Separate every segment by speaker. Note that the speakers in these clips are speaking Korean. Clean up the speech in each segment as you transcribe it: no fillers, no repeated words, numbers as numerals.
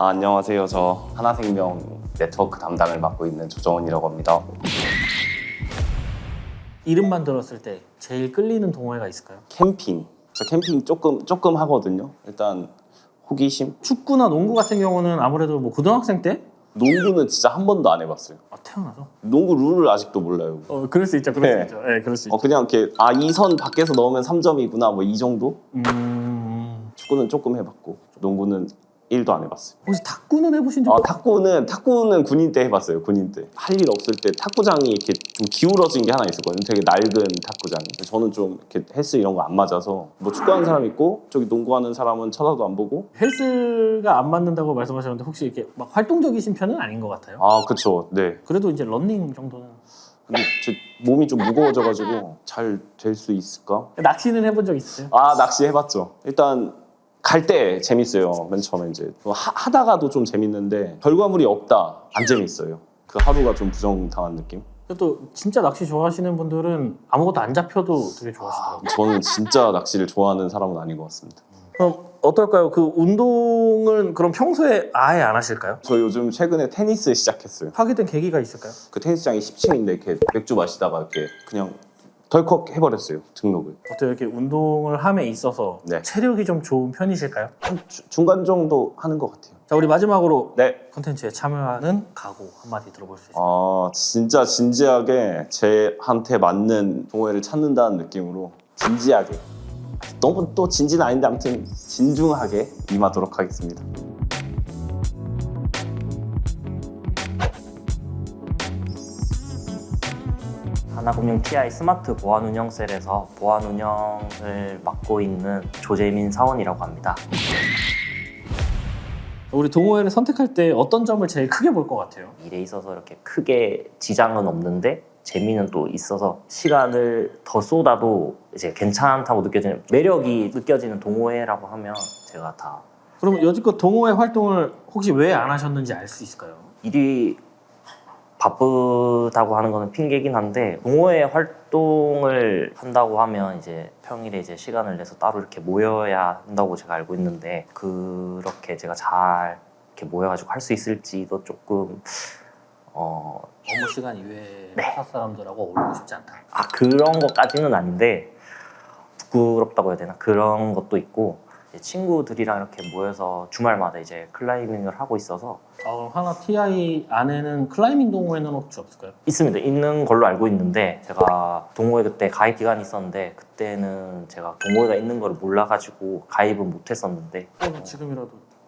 Speaker 1: 안녕하세요. 저 하나생명 네트워크 담당을 맡고 있는 조정원이라고 합니다.
Speaker 2: 이름만 들었을 때 제일 끌리는 동호회가 있을까요?
Speaker 1: 캠핑. 저 캠핑 조금 하거든요. 일단 호기심.
Speaker 2: 축구나 농구 같은 경우는 아무래도 뭐 고등학생 때?
Speaker 1: 농구는 진짜 한 번도 안 해봤어요.
Speaker 2: 태어나서?
Speaker 1: 농구 룰을 아직도 몰라요.
Speaker 2: 그럴 수 있죠.
Speaker 1: 네.
Speaker 2: 그럴 수 있죠.
Speaker 1: 그냥 이렇게 이 선 밖에서 넣으면 3점이구나 뭐 이 정도? 축구는 조금 해봤고 농구는 1도 안 해봤어요.
Speaker 2: 혹시 탁구는 해보신 적?
Speaker 1: 탁구는 군인 때 해봤어요. 군인 때. 할 일 없을 때 탁구장이 이렇게 좀 기울어진 게 하나 있었거든요. 되게 낡은 탁구장이. 저는 좀 이렇게 헬스 이런 거 안 맞아서 뭐 축구하는 사람 있고 저기 농구하는 사람은 쳐다도 안 보고.
Speaker 2: 헬스가 안 맞는다고 말씀하셨는데 혹시 이렇게 막 활동적이신 편은 아닌 것 같아요.
Speaker 1: 그쵸. 네.
Speaker 2: 그래도 이제 러닝 정도는.
Speaker 1: 근데 제 몸이 좀 무거워져가지고 잘 될 수 있을까?
Speaker 2: 낚시는 해본 적 있으세요?
Speaker 1: 낚시 해봤죠. 일단 갈 때 재밌어요. 맨 처음에 이제 하다가도 좀 재밌는데 결과물이 없다 안 재밌어요. 그 하루가 좀 부정당한 느낌.
Speaker 2: 또 진짜 낚시 좋아하시는 분들은 아무것도 안 잡혀도 되게 좋아하시더라고요.
Speaker 1: 저는 진짜 낚시를 좋아하는 사람은 아닌 것 같습니다.
Speaker 2: 그럼 어떨까요? 그 운동은 그럼 평소에 아예 안 하실까요?
Speaker 1: 저 요즘 최근에 테니스 시작했어요.
Speaker 2: 하게 된 계기가 있을까요?
Speaker 1: 그 테니스장이 10층인데 이렇게 맥주 마시다가 이렇게 그냥 덜컥 해버렸어요. 등록을.
Speaker 2: 어때요? 이렇게 운동을 함에 있어서
Speaker 1: 네.
Speaker 2: 체력이 좀 좋은 편이실까요?
Speaker 1: 한 중간 정도 하는 것 같아요.
Speaker 2: 자, 우리 마지막으로
Speaker 1: 네.
Speaker 2: 콘텐츠에 참여하는 각오 한마디 들어볼 수 있어요?
Speaker 1: 진짜 진지하게 제한테 맞는 동호회를 찾는다는 느낌으로 진지하게. 너무 또 진지는 아닌데 아무튼 진중하게 임하도록 하겠습니다.
Speaker 3: 하나금융 TI 스마트 보안운영셀에서 보안운영을 맡고 있는 조재민 사원이라고 합니다.
Speaker 2: 우리 동호회를 선택할 때 어떤 점을 제일 크게 볼 것 같아요?
Speaker 3: 일에 있어서 이렇게 크게 지장은 없는데 재미는 또 있어서 시간을 더 쏟아도 이제 괜찮다고 느껴지는 매력이 느껴지는 동호회라고 하면 제가 다
Speaker 2: 그럼 여지껏 동호회 활동을 혹시 왜 안 하셨는지 알 수 있을까요?
Speaker 3: 일이 바쁘다고 하는 거는 핑계긴 한데 동호회 활동을 한다고 하면 이제 평일에 이제 시간을 내서 따로 이렇게 모여야 한다고 제가 알고 있는데 그렇게 제가 잘 이렇게 모여가지고 할 수 있을지도 조금
Speaker 2: 업무 시간 이외에
Speaker 3: 네.
Speaker 2: 회사 사람들하고 어울리고 싶지 않다.
Speaker 3: 그런 것까지는 아닌데 부끄럽다고 해야 되나 그런 것도 있고 친구들이랑 이렇게 모여서 주말마다 이제 클라이밍을 하고 있어서
Speaker 2: 그럼 하나 TI 안에는 클라이밍 동호회는 혹시 없을까요?
Speaker 3: 있습니다. 있는 걸로 알고 있는데 제가 동호회 그때 가입 기간이 있었는데 그때는 제가 동호회가 있는 걸 몰라가지고 가입은 못했었는데
Speaker 2: 지금이라도.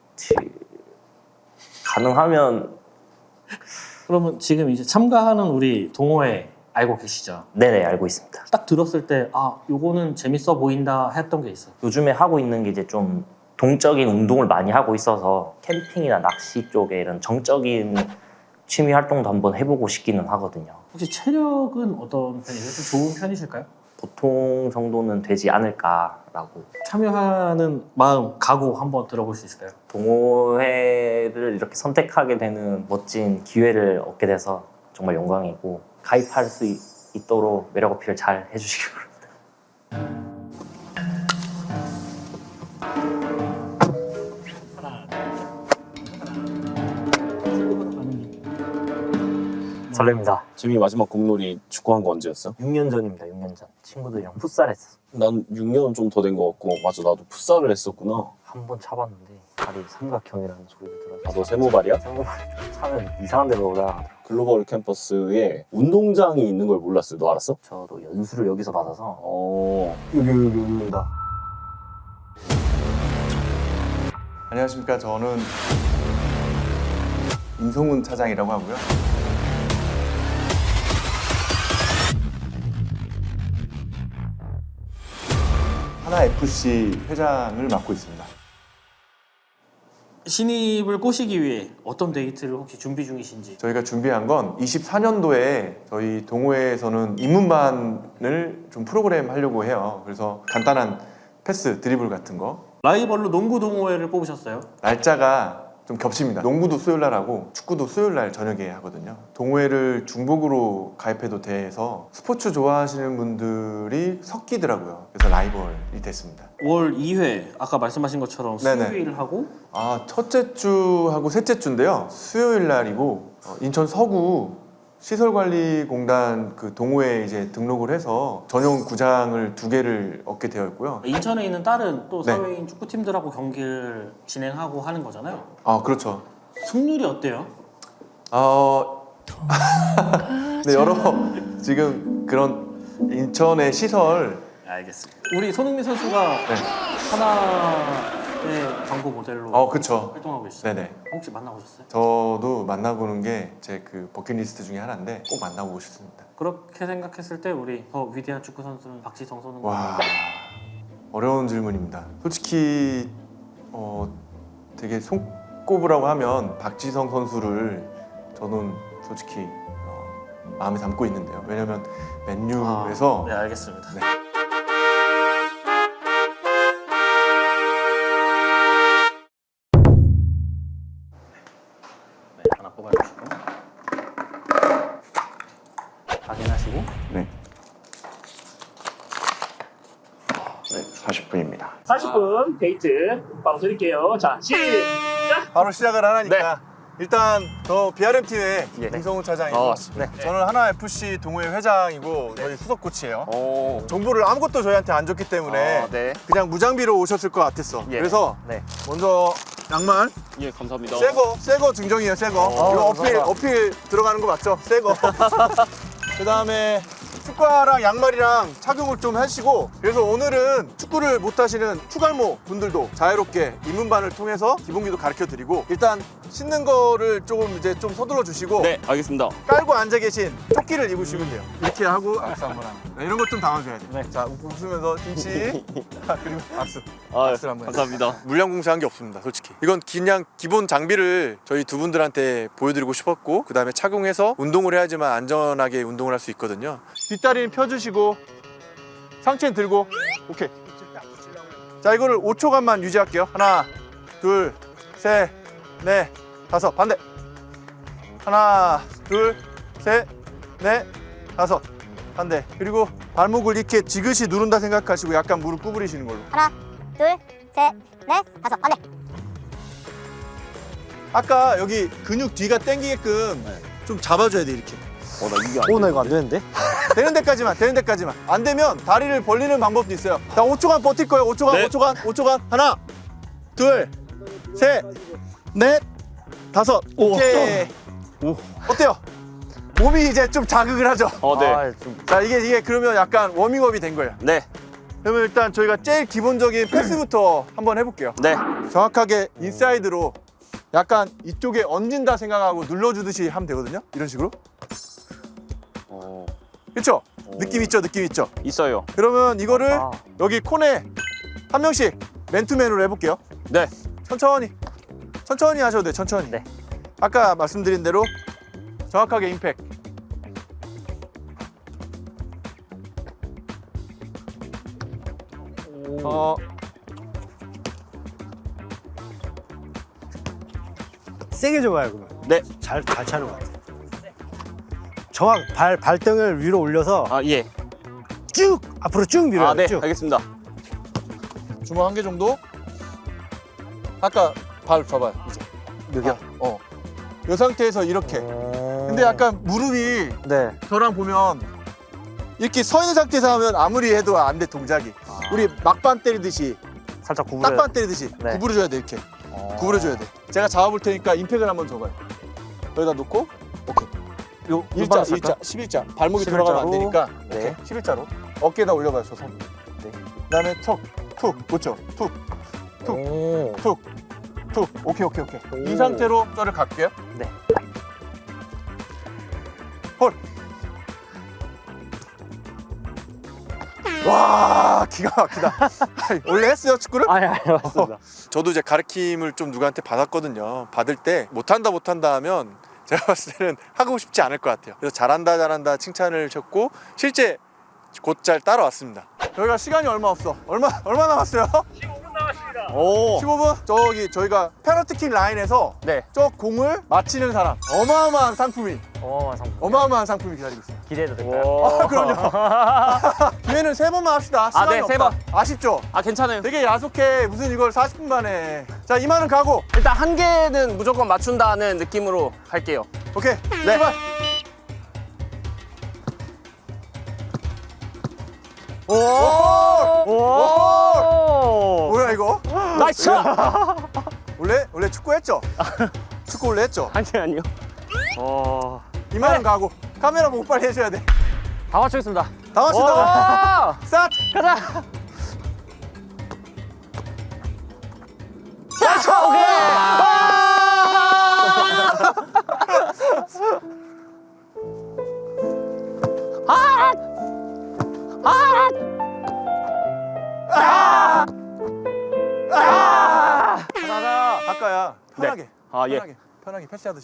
Speaker 3: 가능하면
Speaker 2: 그러면 지금 이제 참가하는 우리 동호회 알고 계시죠?
Speaker 3: 네네 알고 있습니다.
Speaker 2: 딱 들었을 때 요거는 재밌어 보인다 했던 게 있어요.
Speaker 3: 요즘에 하고 있는 게 이제 좀 동적인 운동을 많이 하고 있어서 캠핑이나 낚시 쪽에 이런 정적인 취미 활동도 한번 해보고 싶기는 하거든요.
Speaker 2: 혹시 체력은 어떤 편이세요? 좀 좋은 편이실까요?
Speaker 3: 보통 정도는 되지 않을까라고.
Speaker 2: 참여하는 마음, 각오 한번 들어볼 수 있을까요?
Speaker 3: 동호회를 이렇게 선택하게 되는 멋진 기회를 얻게 돼서 정말 영광이고 가입할 수 있도록 매력 어필을 잘 해주시기 바랍니다. 설렙니다.
Speaker 1: 지민이 마지막 공놀이 축구한 거 언제였어?
Speaker 3: 6년 전입니다. 6년 전 친구들이랑 풋살 했어.
Speaker 1: 난 6년은 좀 더 된 거 같고. 맞아, 나도 풋살을 했었구나.
Speaker 3: 한 번 차봤는데 발이 삼각형이라는 소리가 들어서
Speaker 1: 너 세모발이야?
Speaker 3: 생각보다 좀 차면 이상한 데로 올라가더라고요.
Speaker 1: 글로벌 캠퍼스에 운동장이 있는 걸 몰랐어요. 너 알았어?
Speaker 3: 저도 연수를 여기서 받아서
Speaker 1: 여기입니다.
Speaker 4: 안녕하십니까. 저는 임성훈 차장이라고 하고요. 하나FC 회장을 맡고 있습니다.
Speaker 2: 신입을 꼬시기 위해 어떤 데이트를 혹시 준비 중이신지.
Speaker 4: 저희가 준비한 건 24년도에 저희 동호회에서는 입문반을 좀 프로그램 하려고 해요. 그래서 간단한 패스, 드리블 같은 거.
Speaker 2: 라이벌로 농구 동호회를 뽑으셨어요?
Speaker 4: 날짜가 좀 겹칩니다. 농구도 수요일 날 하고 축구도 수요일 날 저녁에 하거든요. 동호회를 중복으로 가입해도 돼서 스포츠 좋아하시는 분들이 섞이더라고요. 그래서 라이벌이 됐습니다.
Speaker 2: 월 2회 아까 말씀하신 것처럼
Speaker 4: 네네.
Speaker 2: 수요일 하고
Speaker 4: 첫째 주하고 셋째 주인데요. 수요일 날이고 인천 서구 시설관리공단 그 동호회에 이제 등록을 해서 전용 구장을 2개를 얻게 되어 있고요.
Speaker 2: 인천에 있는 다른 또
Speaker 4: 네.
Speaker 2: 사회인 축구팀들하고 경기를 진행하고 하는 거잖아요.
Speaker 4: 그렇죠.
Speaker 2: 승률이 어때요?
Speaker 4: 네, 여러 지금 그런 인천의 시설
Speaker 2: 알겠습니다. 우리 손흥민 선수가
Speaker 4: 네.
Speaker 2: 하나의 광고 모델로
Speaker 4: 그쵸.
Speaker 2: 활동하고 계시죠?
Speaker 4: 네네.
Speaker 2: 혹시 만나보셨어요?
Speaker 4: 저도 만나보는 게 제 그 버킷리스트 중에 하나인데 꼭 만나보고 싶습니다.
Speaker 2: 그렇게 생각했을 때 우리 더 위대한 축구 선수는 박지성 선수인
Speaker 4: 와,
Speaker 2: 것
Speaker 4: 어려운 질문입니다. 솔직히 되게 손꼽으라고 하면 박지성 선수를 저는 솔직히 마음에 담고 있는데요. 왜냐면 맨유에서
Speaker 2: 네, 알겠습니다.
Speaker 4: 네.
Speaker 2: 네, 하나 뽑아주시고 확인하시고
Speaker 5: 네. 네, 40분입니다.
Speaker 6: 40분 데이트 바로 드릴게요. 자, 시작!
Speaker 7: 바로 시작을 하라니까 일단 저 BRM 팀의
Speaker 3: 예.
Speaker 7: 김성훈 차장이고 저는 하나 FC 동호회 회장이고 저희 수석 코치예요. 정보를 아무것도 저희한테 안 줬기 때문에
Speaker 3: 네.
Speaker 7: 그냥 무장비로 오셨을 것 같았어.
Speaker 3: 예.
Speaker 7: 그래서
Speaker 3: 네.
Speaker 7: 먼저 양말
Speaker 1: 예, 감사합니다.
Speaker 7: 새거 증정이에요. 새거 이거 어필 들어가는 거 맞죠? 새거. 그 다음에 축구화랑 양말이랑 착용을 좀 하시고, 그래서 오늘은 축구를 못 하시는 추갈모 분들도 자유롭게 입문반을 통해서 기본기도 가르쳐 드리고, 일단 신는 거를 조금 이제 좀 서둘러 주시고
Speaker 1: 네, 알겠습니다.
Speaker 7: 깔고 앉아 계신 조끼를 입으시면 돼요. 이렇게 하고 악수 한번 하고. 네, 이런 것 좀 담아줘야 돼요. 자, 웃으면서 김치. 그리고 악수. 악수를 한번 해요.
Speaker 1: 감사합니다.
Speaker 7: 물량공사한 게 없습니다, 솔직히. 이건 그냥 기본 장비를 저희 두 분들한테 보여드리고 싶었고, 그 다음에 착용해서 운동을 해야지만 안전하게 운동을 할 수 있거든요. 뒷다리는 펴주시고 상체는 들고. 오케이. 자, 이거를 5초간만 유지할게요. 하나, 둘, 셋, 넷, 다섯. 반대. 하나, 둘, 셋, 넷, 다섯. 반대. 그리고 발목을 이렇게 지그시 누른다 생각하시고 약간 무릎 구부리시는 걸로.
Speaker 8: 하나, 둘, 셋, 넷, 다섯. 반대.
Speaker 7: 아까 여기 근육 뒤가 당기게끔 좀 잡아줘야 돼, 이렇게.
Speaker 1: 나 이게 안
Speaker 2: 나 이거 안 되는데?
Speaker 7: 되는 데까지만. 안 되면 다리를 벌리는 방법도 있어요. 자, 5초간 버틸 거예요. 5초간,
Speaker 1: 네.
Speaker 7: 5초간. 하나, 둘, 셋, 넷, 다섯. 오케이. 어때요? 몸이 이제 좀 자극을 하죠.
Speaker 1: 네.
Speaker 7: 자, 이게 그러면 약간 워밍업이 된 거예요.
Speaker 1: 네.
Speaker 7: 그러면 일단 저희가 제일 기본적인 패스부터 한번 해볼게요.
Speaker 1: 네.
Speaker 7: 정확하게 인사이드로 약간 이쪽에 얹는다 생각하고 눌러주듯이 하면 되거든요. 이런 식으로. 그렇죠? 느낌 있죠?
Speaker 1: 있어요.
Speaker 7: 그러면 이거를 여기 코너에 한 명씩 맨투맨으로 해볼게요.
Speaker 1: 네.
Speaker 7: 천천히 하셔도 돼요. 천천히.
Speaker 3: 네.
Speaker 7: 아까 말씀드린 대로 정확하게 임팩.
Speaker 9: 세게 줘봐요, 그러면.
Speaker 1: 네.
Speaker 9: 잘 차는 것 같아요. 발등을 위로 올려서
Speaker 1: 예.
Speaker 9: 쭉 앞으로 쭉 밀어요.
Speaker 1: 네.
Speaker 9: 쭉.
Speaker 1: 알겠습니다.
Speaker 7: 주먹 한 개 정도. 아까 발 줘봐요. 이제 여기요. 이 상태에서 이렇게. 근데 약간 무릎이
Speaker 9: 네.
Speaker 7: 저랑 보면 이렇게 서 있는 상태에서 하면 아무리 해도 안 돼, 동작이. 우리 막반 때리듯이,
Speaker 3: 살짝 구부려.
Speaker 7: 딱반 때리듯이
Speaker 3: 네.
Speaker 7: 구부려줘야 돼, 이렇게. 구부려줘야 돼. 제가 잡아볼 테니까 임팩을 한번 줘봐요. 여기다 놓고, 오케이.
Speaker 3: 요
Speaker 7: 일자, 11자. 발목이 들어가면 안 되니까.
Speaker 3: 네.
Speaker 7: 오케이. 11자로. 어깨에다 올려봐요, 저 손.
Speaker 3: 네.
Speaker 7: 그다음에 툭, 그렇죠? 툭. 오케이. 이 상태로 저를 갈게요.
Speaker 3: 네.
Speaker 7: 헐. 와, 기가 막히다. 원래 했어요, 축구를?
Speaker 3: 아니 맞습니다.
Speaker 7: 저도 이제 가르침을 좀 누구한테 받았거든요. 받을 때 못한다 하면 제가 봤을 때는 하고 싶지 않을 것 같아요. 그래서 잘한다 칭찬을 쳤고 실제 곧잘 따라왔습니다. 저희가 시간이 얼마 없어. 얼마 남았어요?
Speaker 6: 15분
Speaker 7: 오. 15분? 저기 저희가 페널티킥 라인에서
Speaker 3: 네.
Speaker 7: 저 공을 맞히는 사람 어마어마한 상품이 기다리고 있습니다.
Speaker 3: 기대해도 될까요?
Speaker 7: 아, 그럼요. 기회는 3번만 합시다. 시간이
Speaker 3: 네,
Speaker 7: 없다.
Speaker 3: 3번.
Speaker 7: 아쉽죠?
Speaker 3: 아 괜찮아요.
Speaker 7: 되게 야속해. 무슨 이걸 40분 만에. 자, 이만은 가고.
Speaker 3: 일단 한 개는 무조건 맞춘다는 느낌으로 갈게요.
Speaker 7: 오케이. 네. 출발. 오! 오! 뭐야 이거?
Speaker 3: 나이스!
Speaker 7: 원래 축구 했죠? 축구 원래 했죠?
Speaker 3: 아니요.
Speaker 7: 이만은 가고. 카메라 보고 빨리 해줘야 돼.
Speaker 3: 다 맞추겠습니다.
Speaker 7: 다 맞춘다. 스타트.
Speaker 3: 가자.
Speaker 7: 아까야. 편하게.
Speaker 3: 아, 예.
Speaker 7: 편하게 패스하듯이.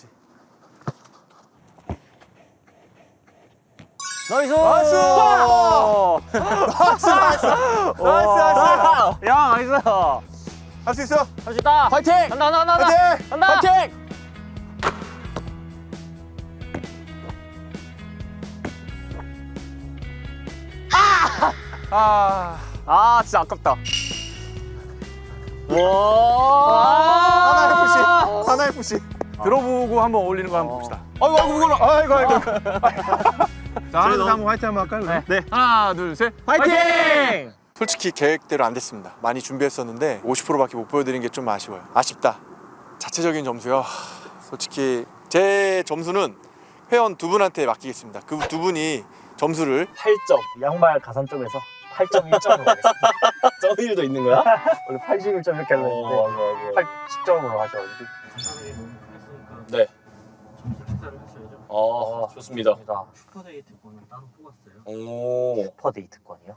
Speaker 3: 나이스!
Speaker 7: 나이스! 나이스!
Speaker 3: 야, 나이스!
Speaker 7: 할 수 있어?
Speaker 3: 할 수 있다! 파이팅! 간다!
Speaker 7: 파이팅!
Speaker 3: 간다! 파이팅! 아, 진짜 아깝다. 와!
Speaker 7: 하나 FC. 들어보고 한번 어울리는 거 한번 봅시다.
Speaker 3: 아이고.
Speaker 7: 자, 하나 한번 화이팅 한번 할까요? 네. 하나, 둘, 셋.
Speaker 3: 파이팅!
Speaker 7: 솔직히 계획대로 안 됐습니다. 많이 준비했었는데 50%밖에 못 보여드린 게 좀 아쉬워요. 아쉽다. 자체적인 점수요. 솔직히 제 점수는 회원 2분한테 맡기겠습니다. 그 2분이 점수를
Speaker 3: 8점. 양말 가산점에서 8.1점으로 가겠습니다.
Speaker 2: 점일도 있는 거야?
Speaker 3: 원래 81점 이렇게 하려는데 80점으로 하셔가지고.
Speaker 2: 네.
Speaker 3: 식사를 하셔야죠.
Speaker 2: 좋습니다.
Speaker 3: 슈퍼데이트권을 따로 뽑았어요.
Speaker 2: 오.
Speaker 3: 슈퍼데이트권이요?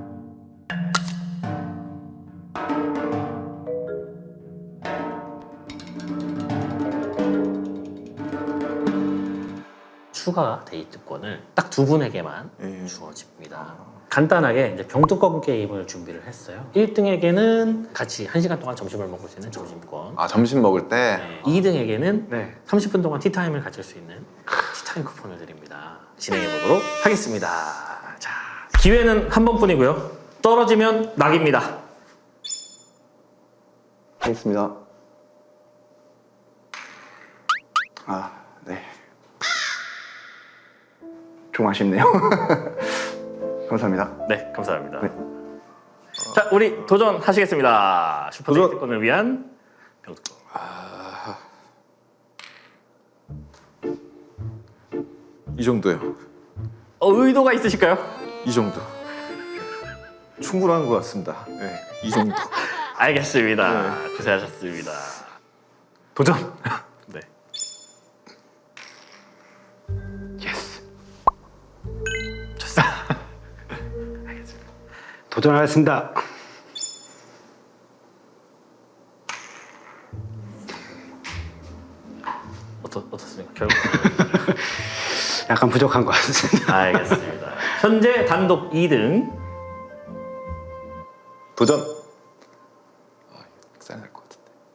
Speaker 3: 추가 데이트권을 딱 2분에게만 주어집니다. 간단하게 이제 병뚜껑 게임을 준비를 했어요. 1등에게는 같이 1시간 동안 점심을 먹을 수 있는 점심권.
Speaker 5: 아, 점심 먹을 때?
Speaker 3: 네. 2등에게는 30분 동안 티타임을 가질 수 있는 티타임 쿠폰을 드립니다. 진행해 보도록 하겠습니다. 자, 기회는 한 번뿐이고요. 떨어지면 낙입니다.
Speaker 5: 하겠습니다. 아, 네. 좀 아쉽네요. 감사합니다.
Speaker 3: 네, 감사합니다.
Speaker 5: 네.
Speaker 3: 자, 우리 도전하시겠습니다. 슈퍼데이트권을 위한 병뚜껑.
Speaker 10: 이 정도요.
Speaker 3: 의도가 있으실까요?
Speaker 10: 이 정도. 충분한 것 같습니다. 네, 이 정도.
Speaker 3: 알겠습니다. 고생하셨습니다.
Speaker 10: 도전.
Speaker 3: 네.
Speaker 10: 예스.
Speaker 3: 좋습니다.
Speaker 9: 도전하겠습니다.
Speaker 3: 어떻습니까? 결국
Speaker 9: 약간 부족한 것 같습니다.
Speaker 3: 알겠습니다. 현재 단독 2등.
Speaker 10: 도전. 쌀날 것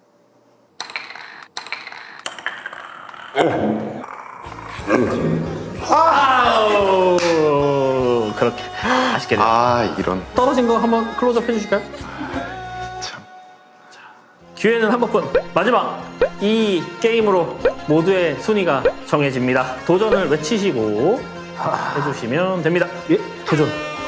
Speaker 10: 같은데.
Speaker 3: 아우, 그렇게 아쉽게 됐
Speaker 10: 이런.
Speaker 3: 떨어진 거 한번 클로즈업 해주실까요?
Speaker 10: 참.
Speaker 3: 기회는 한 번뿐. 마지막 이 게임으로 모두의 순위가 정해집니다. 도전을 외치시고 해주시면 됩니다.
Speaker 9: 예, 도전.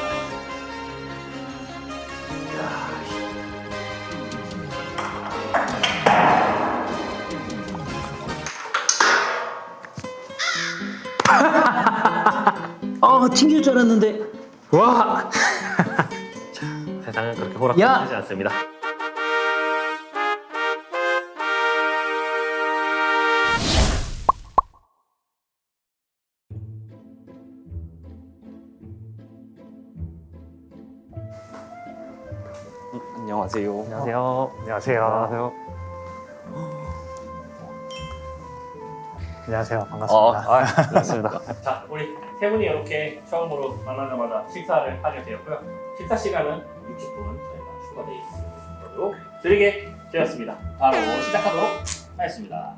Speaker 3: 튕길 줄 알았는데. 와. 자, 세상은 그렇게 호락호락하지 않습니다.
Speaker 1: 안녕하세요.
Speaker 3: 안녕하세요. 안녕하세요.
Speaker 2: 안녕하세요. 반갑습니다.
Speaker 3: 반갑습니다. 자, 우리 세 분이 이렇게 처음으로 만나자마자 식사를 하게 되었고요. 식사 시간은 60분 저희가 추가되어 있습니다.
Speaker 6: 바로 드리게 되었습니다. 바로 시작하도록 하겠습니다.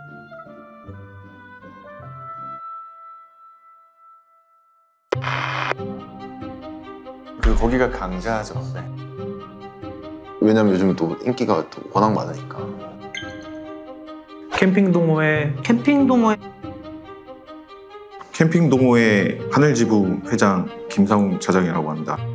Speaker 4: 거기가 강자죠. 네.
Speaker 5: 왜냐면 요즘 또 인기가 또 워낙 많으니까.
Speaker 10: 캠핑 동호회 캠핑 동호회 하늘지부 회장 김상웅 차장이라고 합니다.